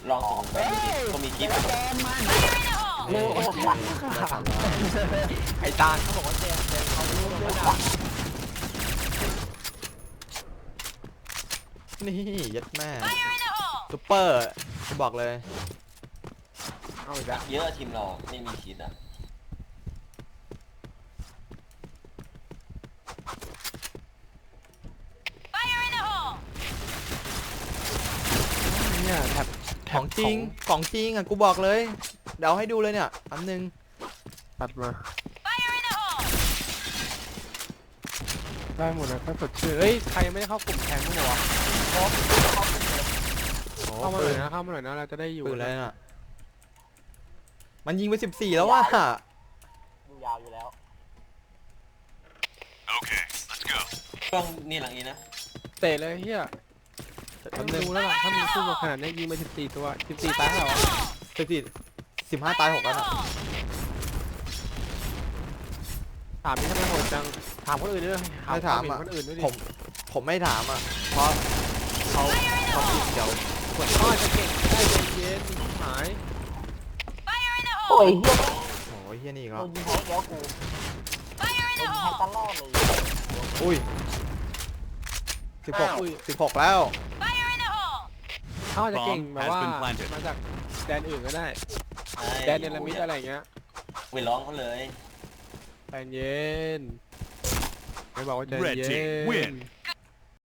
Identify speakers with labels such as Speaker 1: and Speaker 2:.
Speaker 1: ลองส่งไปก็มีกิ๊บ
Speaker 2: โอ้โหไอ้ตาลเขาบอกว่าแจมเขารู้เรื่องด่า
Speaker 3: นี่ยัดแม่ซุปเปอร์กูบอกเลย
Speaker 2: เอาอีกแล้ว
Speaker 1: เยอะทีมเราไม่มีคิดอ่ะ
Speaker 2: เนี่ยแท็บ
Speaker 3: ของจริงของจริงอ่ะกูบอกเลยเดี๋ยวให้ดูเลยเนี่ยอันนึง
Speaker 2: ตัดมาได้หมดนะถ้าสดชื่นเฮ้ยใครยังไม่ได้เข้ากลุ่มแทงมั้างวะ
Speaker 3: โอ้
Speaker 2: เข้ามาห
Speaker 3: ปื
Speaker 2: น่อน ยนะเข้ามาหน่อยนะเราจะได้อยู่
Speaker 3: ปืนอะไรน่ะมันยิงไป14แล้วว่ะ
Speaker 1: ดูยาวอยู่แล้วเครื่องนี่หลังนี้นะ
Speaker 2: เตะเลยเฮีย
Speaker 3: แป๊บ
Speaker 2: ดู
Speaker 3: นึง
Speaker 2: แล้วล่ะถ้ามีคู่มาขนาดนี้ยิงไป14ตัว14ตายแล้วเหรอ
Speaker 3: 15ตาย6แล้วน่ะ
Speaker 2: ถามนี่ทำไมโหดจังถามคนอื่นด้วย
Speaker 3: ไม่ถาม
Speaker 2: คว
Speaker 3: อ่ะ
Speaker 2: เห็นคนอื่นด้วยดิ
Speaker 3: ผมไม่ถามอ่ะเพราะเขาผิดเดี๋ยว
Speaker 2: เขาอาจจะเก่งได้เย็นๆมีหาย
Speaker 1: โอ้ยเฮีย
Speaker 3: โอ้ยเฮียนี่อีก็
Speaker 1: โดนยิงให้แล้วกูโดนยิงให้ตลอดเลย
Speaker 3: อุ้ย16แล้ว
Speaker 2: เขาอาจจะเก่งแบบว่ามาจากแดนอื่นก็ได้แดนเนลมิดอะไรเงี้ย
Speaker 1: ไปร้องเขาเลย
Speaker 2: ใจเย็นไม่บอกว่าใจ
Speaker 4: Red
Speaker 2: เย็
Speaker 4: team win.
Speaker 2: น